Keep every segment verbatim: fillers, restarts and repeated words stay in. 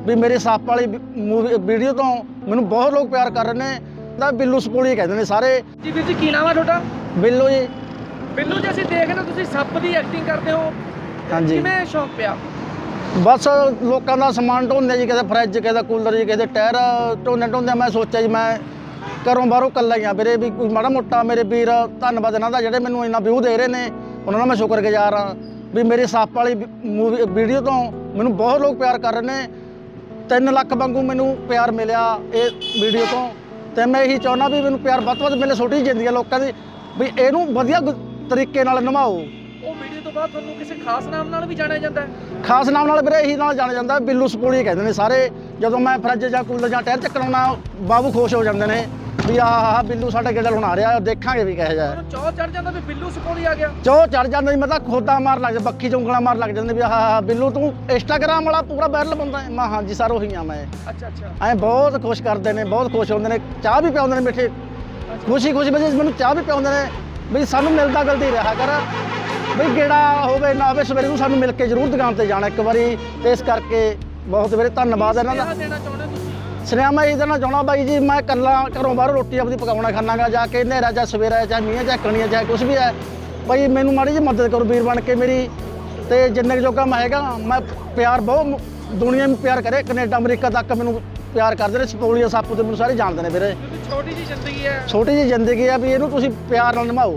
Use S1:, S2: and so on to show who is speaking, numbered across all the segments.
S1: ਵੀ ਮੇਰੇ ਸੱਪ ਵਾਲੀ ਮੂਵੀ ਵੀਡੀਓ ਤੋਂ ਮੈਨੂੰ ਬਹੁਤ ਲੋਕ ਪਿਆਰ ਕਰ ਰਹੇ ਨੇ ਤਾਂ ਬਿੱਲੂ ਸਪੋਲੀ ਕਹਿੰਦੇ ਨੇ ਸਾਰੇ।
S2: ਜੀ ਵੀਰ ਜੀ ਕੀ ਨਾਮ ਹੈ ਤੁਹਾਡਾ?
S1: ਬਿੱਲੂ ਜੀ।
S2: ਬਿੱਲੂ ਜੀ ਅਸੀਂ ਦੇਖ ਰਹੇ ਤੁਸੀਂ ਸੱਪ ਦੀ ਐਕਟਿੰਗ ਕਰਦੇ ਹੋ,
S1: ਹਾਂਜੀ।
S2: ਕਿਵੇਂ ਸ਼ੌਂਕ ਪਿਆ?
S1: ਬਸ ਲੋਕਾਂ ਦਾ ਸਮਾਨ ਢੋਂਦੇ ਜੀ, ਕਿਸੇ ਫਰਿੱਜ, ਕਿਸੇ ਕੂਲਰ ਜੀ, ਕਿਸੇ ਟਾਇਰ ਢੋਂਦੇ ਢੋਂਦੇ ਮੈਂ ਸੋਚਿਆ ਜੀ ਮੈਂ ਘਰੋਂ ਬਾਹਰੋਂ ਇਕੱਲਾ ਹੀ ਆ ਵੀਰੇ, ਵੀ ਕੋਈ ਮਾੜਾ ਮੋਟਾ ਮੇਰੇ ਵੀਰ ਧੰਨਵਾਦ ਇਹਨਾਂ ਦਾ ਜਿਹੜੇ ਮੈਨੂੰ ਇੰਨਾ ਵਿਊ ਦੇ ਰਹੇ ਨੇ, ਉਹਨਾਂ ਦਾ ਮੈਂ ਸ਼ੁਕਰਗੁਜ਼ਾਰ ਹਾਂ ਵੀ ਮੇਰੇ ਸੱਪ ਵਾਲੀ ਮੂਵੀ ਵੀਡੀਓ ਤੋਂ ਮੈਨੂੰ ਬਹੁਤ ਲੋਕ ਪਿਆਰ ਕਰ ਰਹੇ ਨੇ। ਤਿੰਨ ਲੱਖ ਵਾਂਗੂ ਮੈਨੂੰ ਪਿਆਰ ਮਿਲਿਆ ਇਹ ਵੀਡੀਓ ਤੋਂ, ਤੇ ਮੈਂ ਇਹੀ ਚਾਹੁੰਦਾ ਵੀ ਮੈਨੂੰ ਪਿਆਰ ਵੱਧ ਤੋਂ ਵੱਧ ਮਿਲੇ ਛੋਟੀ ਜ਼ਿੰਦਗੀ ਲੋਕਾਂ ਦੀ, ਵੀ ਇਹਨੂੰ ਵਧੀਆ ਤਰੀਕੇ ਨਾਲ ਨਿਭਾਓ।
S2: ਉਹ ਵੀਡੀਓ ਤੋਂ ਬਾਅਦ ਤੁਹਾਨੂੰ ਕਿਸੇ ਖਾਸ ਨਾਮ ਨਾਲ ਵੀ ਜਾਣਿਆ ਜਾਂਦਾ ਹੈ?
S1: ਖਾਸ ਨਾਮ ਨਾਲ ਵੀਰੇ ਇਹੀ ਨਾਲ ਜਾਣਿਆ ਜਾਂਦਾ, ਬਿੱਲੂ ਸਪੋਲੀ ਕਹਿੰਦੇ ਨੇ ਸਾਰੇ। ਜਦੋਂ ਮੈਂ ਫਰਿੱਜ ਜਾਂ ਕੂਲਰ ਜਾਂ ਟਾਇਰ ਚੱਕਣਾ ਬਾਬੂ ਖੁਸ਼ ਹੋ ਜਾਂਦੇ ਨੇ ਵੀ ਆਹ ਆਹ ਬਿੱਲੂ ਸਾਡਾ ਗੇੜਾ ਹੁਣ ਆ ਰਿਹਾ, ਦੇਖਾਂਗੇ ਵੀ ਕਿਹੋ ਜਿਹਾ।
S2: ਚੌ ਚੜ ਜਾਂਦਾ ਵੀ ਬਿੱਲੂ ਸਪੋਲੀ ਆ ਗਿਆ?
S1: ਚੌ ਚੜ ਜਾਂਦਾ ਜੀ, ਮੈਂ ਤਾਂ ਖੋਦਾ ਮਾਰ ਲੱਗ ਜਾਂਦਾ, ਬੱਖੀ ਚੁੰਗਲਾਂ ਮਾਰ ਲੱਗ ਜਾਂਦੇ ਵੀ ਆਹ ਆਹ ਬਿੱਲੂ ਤੂੰ ਇੰਸਟਾਗ੍ਰਾਮ ਵਾਲਾ ਪੂਰਾ ਵਾਇਰਲ ਬੰਦਾ ਹੈ। ਮੈਂ ਹਾਂਜੀ ਸਰ ਉਹੀ ਆ ਮੈਂ।
S2: ਅੱਛਾ ਅੱਛਾ।
S1: ਐਂ ਬਹੁਤ ਖੁਸ਼ ਕਰਦੇ ਨੇ, ਬਹੁਤ ਖੁਸ਼ ਹੁੰਦੇ ਨੇ, ਚਾਹ ਵੀ ਪਿਆਉਂਦੇ ਨੇ ਮਿੱਠੇ, ਖੁਸ਼ੀ ਖੁਸ਼ੀ ਵਿੱਚ ਮੈਨੂੰ ਚਾਹ ਵੀ ਪਿਆਉਂਦੇ ਨੇ ਵੀ ਸਾਨੂੰ ਮਿਲਦਾ ਗਲਤੀ ਰਿਹਾ ਕਰ, ਵੀ ਗੇੜਾ ਹੋਵੇ ਨਾ ਹੋਵੇ ਸਵੇਰੇ ਨੂੰ ਸਾਨੂੰ ਮਿਲ ਕੇ ਜ਼ਰੂਰ ਦੁਕਾਨ ਤੇ ਜਾਣਾ ਇੱਕ ਵਾਰੀ। ਤੇ ਇਸ ਕਰਕੇ ਬਹੁਤ ਵੀਰੇ ਧੰਨਵਾਦ ਇਹਨਾਂ ਦਾ।
S2: ਦੇਣਾ ਚਾਹੁੰਦੇ ਤੁਸੀਂ?
S1: ਸੁਨੇਹਾ ਮੈਂ ਇਹ ਦੇਣਾ ਚਾਹੁੰਦਾ ਬਾਈ ਜੀ, ਮੈਂ ਇਕੱਲਾ ਘਰੋਂ ਬਾਹਰੋਂ ਰੋਟੀ ਆਪਣੀ ਪਕਾਉਣਾ ਖਾਣਾਗਾ ਜਾ ਕੇ, ਹਨੇਰਾ ਜਾਂ ਸਵੇਰਾ ਚਾਹੇ ਮੀਂਹ ਚਾਹੇ ਕਣੀਆਂ ਚਾਹੇ ਕੁਛ ਵੀ ਹੈ, ਬਾਈ ਮੈਨੂੰ ਮਾੜੀ ਜਿਹੀ ਮਦਦ ਕਰੋ ਵੀਰ ਬਣ ਕੇ ਮੇਰੀ। ਤੇ ਜਿੰਨੇ ਕੁ ਜੋਗਾ ਮੈਂ ਹੈਗਾ, ਮੈਂ ਪਿਆਰ ਬਹੁਤ ਦੁਨੀਆ ਨੂੰ ਪਿਆਰ ਕਰੇ, ਕੈਨੇਡਾ ਅਮਰੀਕਾ ਤੱਕ ਮੈਨੂੰ ਪਿਆਰ ਕਰਦੇ ਨੇ। ਸਪੋਲੀਆ ਸੱਪ ਤੇ ਮੈਨੂੰ ਸਾਰੇ ਜਾਣਦੇ ਨੇ ਵੀਰੇ।
S2: ਛੋਟੀ ਜਿਹੀ ਜ਼ਿੰਦਗੀ ਹੈ,
S1: ਛੋਟੀ ਜਿਹੀ ਜ਼ਿੰਦਗੀ ਆ ਵੀ ਇਹਨੂੰ ਤੁਸੀਂ ਪਿਆਰ ਨਾਲ ਨਿਭਾਓ।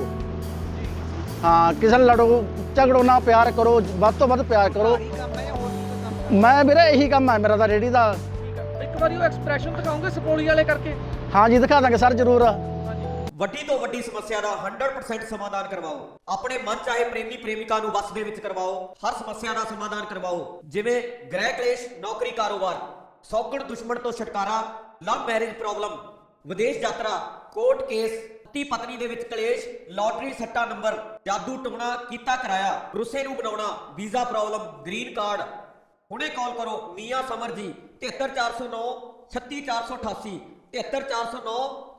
S1: ਹਾਂ, ਕਿਸੇ ਨਾਲ ਲੜੋ ਝਗੜੋ ਨਾ, ਪਿਆਰ ਕਰੋ, ਵੱਧ ਤੋਂ ਵੱਧ ਪਿਆਰ ਕਰੋ। ਮੈਂ ਵੀਰੇ ਇਹੀ ਕੰਮ ਹੈ ਮੇਰਾ ਤਾਂ ਰੇਹੜੀ ਦਾ।
S2: ਇੱਕ ਵਾਰੀ ਉਹ ਐਕਸਪ੍ਰੈਸ਼ਨ ਦਿਖਾਉਂਗੇ ਸਪੋਲੀ ਵਾਲੇ ਕਰਕੇ?
S1: ਹਾਂ ਜੀ ਦਿਖਾ ਦਾਂਗੇ ਸਰ ਜ਼ਰੂਰ।
S3: ਵੱਡੀ ਤੋਂ ਵੱਡੀ ਸਮੱਸਿਆ ਦਾ ਸੌ ਪਰਸੈਂਟ ਸਮਾਧਾਨ ਕਰਵਾਓ। ਆਪਣੇ ਮਨ ਚਾਹੇ ਪ੍ਰੇਮੀ ਪ੍ਰੇਮਿਕਾ ਨੂੰ ਵਸ ਦੇ ਵਿੱਚ ਕਰਵਾਓ। ਹਰ ਸਮੱਸਿਆ ਦਾ ਸਮਾਧਾਨ ਕਰਵਾਓ, ਜਿਵੇਂ ਗ੍ਰਹਿ ਕਲੇਸ਼, ਨੌਕਰੀ, ਕਾਰੋਬਾਰ, ਸੌਗਣ ਦੁਸ਼ਮਣ ਤੋਂ ਛੁਟਕਾਰਾ, ਲਵ ਮੈਰਿਜ ਪ੍ਰੋਬਲਮ, ਵਿਦੇਸ਼ ਯਾਤਰਾ, ਕੋਰਟ ਕੇਸ, ਪਤੀ ਪਤਨੀ ਦੇ ਵਿੱਚ ਕਲੇਸ਼, ਲਾਟਰੀ ਸੱਟਾ ਨੰਬਰ, ਜਾਦੂ ਟੋਣਾ ਕੀਤਾ ਕਰਾਇਆ, ਰੁੱਸੇ ਨੂੰ ਬਣਾਉਣਾ, ਵੀਜ਼ਾ ਪ੍ਰੋਬਲਮ, ਗ੍ਰੀਨ ਕਾਰਡ। ਹੁਣੇ ਕਾਲ ਕਰੋ ਮੀਆਂ ਸਮਰ ਜੀ, ਤਿਹੱਤਰ ਚਾਰ ਸੌ ਨੌ ਛੱਤੀ ਚਾਰ ਸੌ ਅਠਾਸੀ, ਤਿਹੱਤਰ ਚਾਰ ਸੌ ਨੌ